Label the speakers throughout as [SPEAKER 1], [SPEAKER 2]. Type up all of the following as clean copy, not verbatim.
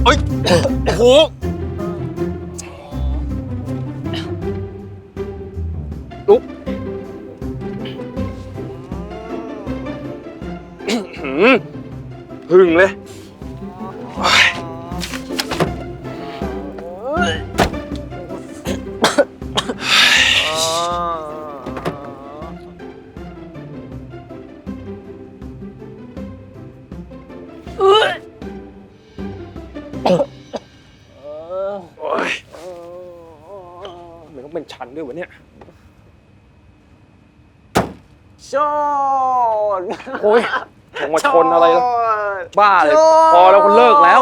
[SPEAKER 1] อ้ยโอ้โหลุกพึ่งเลยมันต้องเป็นชั้นด้วยวะเนี่ย
[SPEAKER 2] ชน
[SPEAKER 1] โอ้ยลงมาชนอะไรแล้วบ้าเลยพอแล้วคุณเลิกแล้ว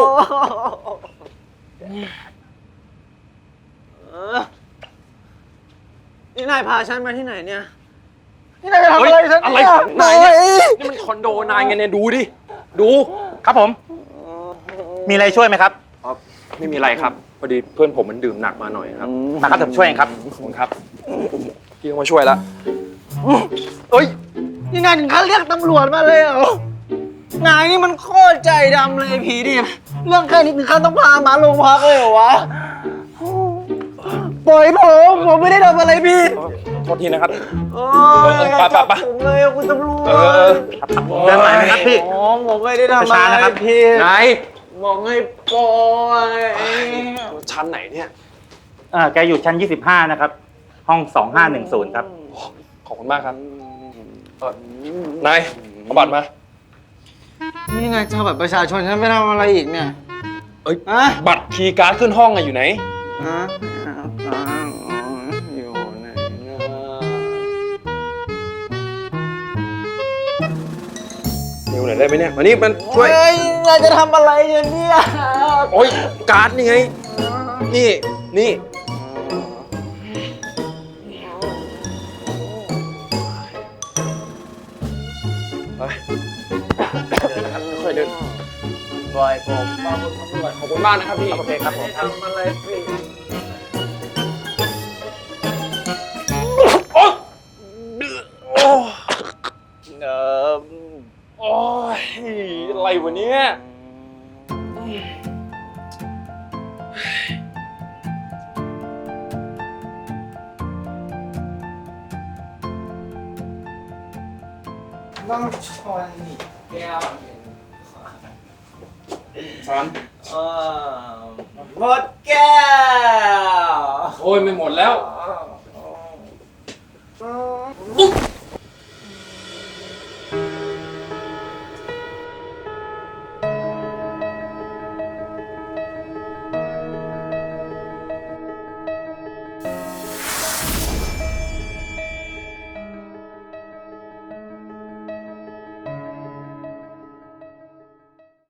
[SPEAKER 2] นี่นายพาฉันมาที่ไหนเนี่ยนี่นายจะทำอะไรฉัน
[SPEAKER 1] อะไร
[SPEAKER 2] เนี่ย
[SPEAKER 1] ของนายเนี่ยนี่มันคอนโดนายไงเนี่ยดูดิดู
[SPEAKER 3] ครับผมมีอะไรช่วยไหมครับ
[SPEAKER 1] ไม่มีอะไรครับพอดีเพื่อนผมมันดื่มหนักมาหน่อยครับ
[SPEAKER 3] มาครับผมช่วยเองครับ
[SPEAKER 1] ขอบคุณครับพี่ต้องมาช่วยแล้ว
[SPEAKER 2] เอ้ยนี่นายถึงขั้นเรียกตำรวจมาเลยเหรอนายนี่มันโคตรใจดำเลยผีดิเรื่องแค่นี้ถึงขั้นต้องพามาโรงพักเลยเหรอวะปล่อยผมไม่ได้ทำอะไรผิด
[SPEAKER 1] โทษทีนะครับ
[SPEAKER 2] โอ้ยจับผมเลยคุณตำรวจ
[SPEAKER 3] เดินไหนนะครับพี่
[SPEAKER 2] ผมไม่ได้ทำอะไรผิด
[SPEAKER 1] นาย
[SPEAKER 2] บอกให้ปล่อย
[SPEAKER 1] ชั้นไหนเนี่ย
[SPEAKER 3] แกอยู่ชั้น25นะครับห้อง2510ครับ
[SPEAKER 1] ขอบคุณมากครับนายเอาบัตรมา
[SPEAKER 2] นี่ไงจะบัตรประชาชนฉันไม่ทำอะไรอีกเนี่ย
[SPEAKER 1] เอ้ยบัตรคีย์การ์ดขึ้นห้องอะอยู่ไหน
[SPEAKER 2] อยู่ไหนนะ
[SPEAKER 1] เร็วหน่อยได้ไหมเนี่ยมานี่มันช่วย
[SPEAKER 2] นายจะทำอะไรเนี่ย
[SPEAKER 1] โอ้ยการ์ดนี่ไงนี่ไปเดินนะครับค่อยเดิน
[SPEAKER 2] ปล่อยผม
[SPEAKER 1] ขอบคุณมากนะครับพี่
[SPEAKER 3] โอเคครับผม
[SPEAKER 2] ทำอะไรผิด
[SPEAKER 1] โอ้
[SPEAKER 2] โอ้
[SPEAKER 1] ยอะไรวะเนี่ย
[SPEAKER 2] ต้องชนแก้ว
[SPEAKER 1] ฉัน
[SPEAKER 2] หมดแก้ว
[SPEAKER 1] โอ้ยไม่หมดแล้ว